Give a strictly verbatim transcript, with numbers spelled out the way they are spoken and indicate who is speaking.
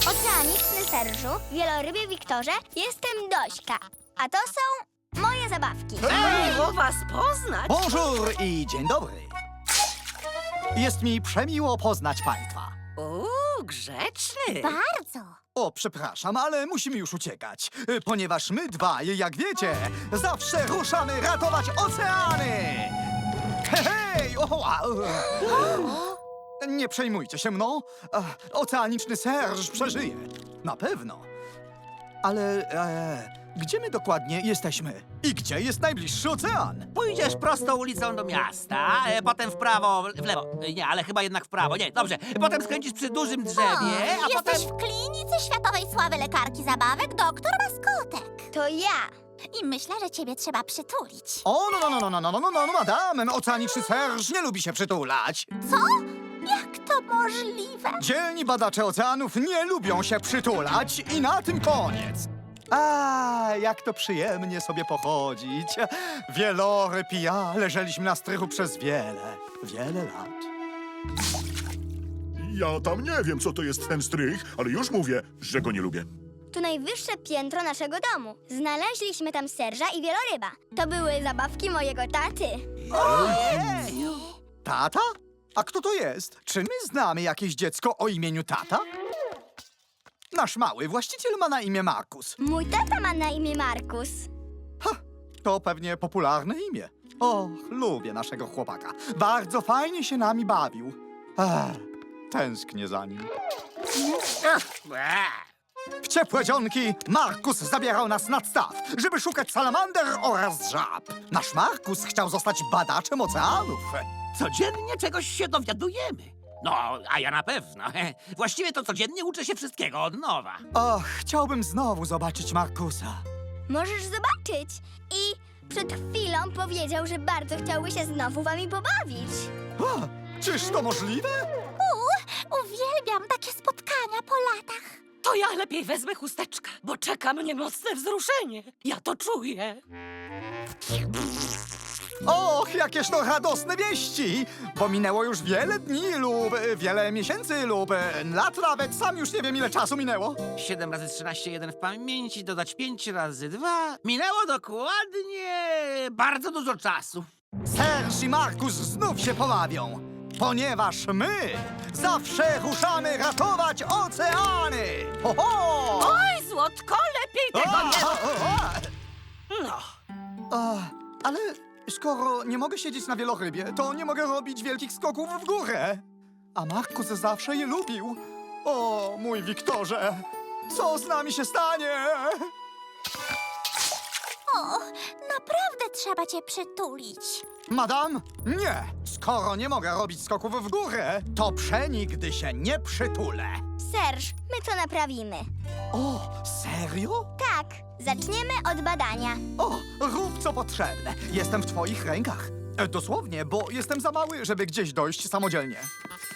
Speaker 1: Oceaniczny Serżu, wielorybie Wiktorze, jestem Dośka. A to są moje zabawki.
Speaker 2: Miło was poznać.
Speaker 3: Bonjour i dzień dobry. Jest mi przemiło poznać państwa.
Speaker 2: Uuu, grzeczny.
Speaker 1: Bardzo.
Speaker 3: O, przepraszam, ale musimy już uciekać, y, ponieważ my dwaj, jak wiecie, zawsze ruszamy ratować oceany! Hej, hej! O, a, e. Nie przejmujcie się mną. Ach, Oceaniczny Serż przeżyje. Na pewno. Ale e, gdzie my dokładnie jesteśmy? I gdzie jest najbliższy ocean?
Speaker 4: Pójdziesz prostą ulicą do miasta, e, potem w prawo, w lewo. E, Nie, ale chyba jednak w prawo. Nie, dobrze. Potem skręcisz przy dużym drzewie, a potem...
Speaker 5: Jesteś w klinice światowej sławy lekarki zabawek, doktor Maskotek.
Speaker 1: To ja.
Speaker 5: I myślę, że ciebie trzeba przytulić.
Speaker 3: O, no, no, no, no, no, no, no, no, no, madame, Oceaniczny Serż nie lubi się przytulać.
Speaker 5: Co? Jak to możliwe?
Speaker 3: Dzielni badacze oceanów nie lubią się przytulać i na tym koniec. A, jak to przyjemnie sobie pochodzić. Wieloryb i ja leżeliśmy na strychu przez wiele, wiele lat.
Speaker 6: Ja tam nie wiem, co to jest ten strych, ale już mówię, że go nie lubię.
Speaker 1: To najwyższe piętro naszego domu. Znaleźliśmy tam Serża i wieloryba. To były zabawki mojego taty.
Speaker 3: Tata? A kto to jest? Czy my znamy jakieś dziecko o imieniu Tata? Nasz mały właściciel ma na imię Markus.
Speaker 1: Mój tata ma na imię Markus.
Speaker 3: Ha, to pewnie popularne imię. Och, lubię naszego chłopaka. Bardzo fajnie się nami bawił. Ech, tęsknię za nim. W ciepłe dzionki Markus zabierał nas nad staw, żeby szukać salamander oraz żab. Nasz Markus chciał zostać badaczem oceanów.
Speaker 4: Codziennie czegoś się dowiadujemy. No, a ja na pewno. Właściwie to codziennie uczę się wszystkiego od nowa.
Speaker 3: Och, chciałbym znowu zobaczyć Markusa.
Speaker 1: Możesz zobaczyć. I przed chwilą powiedział, że bardzo chciałby się znowu wami pobawić.
Speaker 3: O, czyż to możliwe?
Speaker 5: Uuu, uwielbiam takie spotkania po latach.
Speaker 2: To ja lepiej wezmę chusteczkę, bo czeka mnie mocne wzruszenie. Ja to czuję.
Speaker 3: Och, jakież to radosne wieści! Bo minęło już wiele dni lub e, wiele miesięcy lub e, lat nawet. Sam już nie wiem, ile czasu minęło.
Speaker 4: siedem razy trzynaście, jeden w pamięci, dodać pięć razy dwa. Minęło dokładnie bardzo dużo czasu.
Speaker 3: Serż i Markus znów się pobawią, ponieważ my zawsze ruszamy ratować oceany! Ho, ho!
Speaker 2: Oj, Złotko, lepiej tego nie...
Speaker 3: A, a, a.
Speaker 2: No.
Speaker 3: A, ale skoro nie mogę siedzieć na wielorybie, to nie mogę robić wielkich skoków w górę. A Markus zawsze je lubił. O, mój Wiktorze, co z nami się stanie?
Speaker 5: O, naprawdę trzeba cię przytulić.
Speaker 3: Madam, nie. Skoro nie mogę robić skoków w górę, to przenigdy się nie przytulę.
Speaker 1: Serż, my to naprawimy.
Speaker 3: O, serio?
Speaker 1: Tak, zaczniemy od badania.
Speaker 3: O, rób co potrzebne. Jestem w twoich rękach. E, Dosłownie, bo jestem za mały, żeby gdzieś dojść samodzielnie.